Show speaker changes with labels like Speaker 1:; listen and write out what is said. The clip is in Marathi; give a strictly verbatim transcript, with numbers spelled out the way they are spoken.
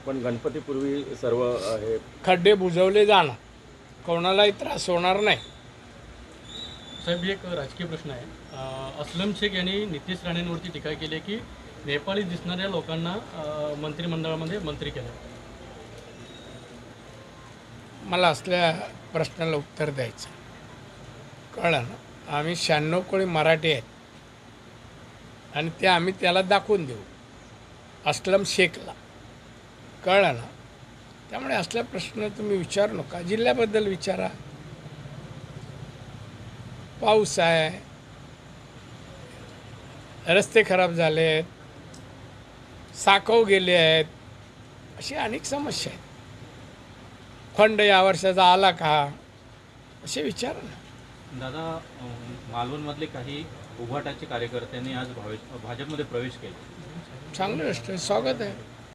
Speaker 1: पण गणपतीपूर्वी सर्व अ, हे
Speaker 2: खड्डे बुजवले जाणार, कोणालाही त्रास होणार नाही.
Speaker 3: साहेब एक राजकीय प्रश्न आहे. अ, अस्लम शेख यांनी नितीश राणेंवरती टीका केली आहे की नेपाळी दिसणाऱ्या लोकांना अ, मंत्रिमंडळामध्ये मंत्री केलं.
Speaker 2: मला असल्या प्रश्नाला उत्तर द्यायचं कळलं ना. आम्ही शहाण्णव कोळी मराठी आहेत आणि ते आम्ही त्याला दाखवून देऊ अस्लम शेखला, कळलं ना. त्यामुळे असल्या प्रश्न तुम्ही विचारू नका, जिल्ह्याबद्दल विचारा. पाऊस आहे, रस्ते खराब झाले आहेत, साकव गेले आहेत, अशी अनेक समस्या आहेत. फंड या वर्षाचा आला का असे विचार ना.
Speaker 4: दादा, अं, मालवणमधले काही उभाटाचे कार्यकर्त्यांनी आज भावे भाजपमध्ये प्रवेश केला.
Speaker 2: चांगलं गोष्ट आहे, स्वागत आहे.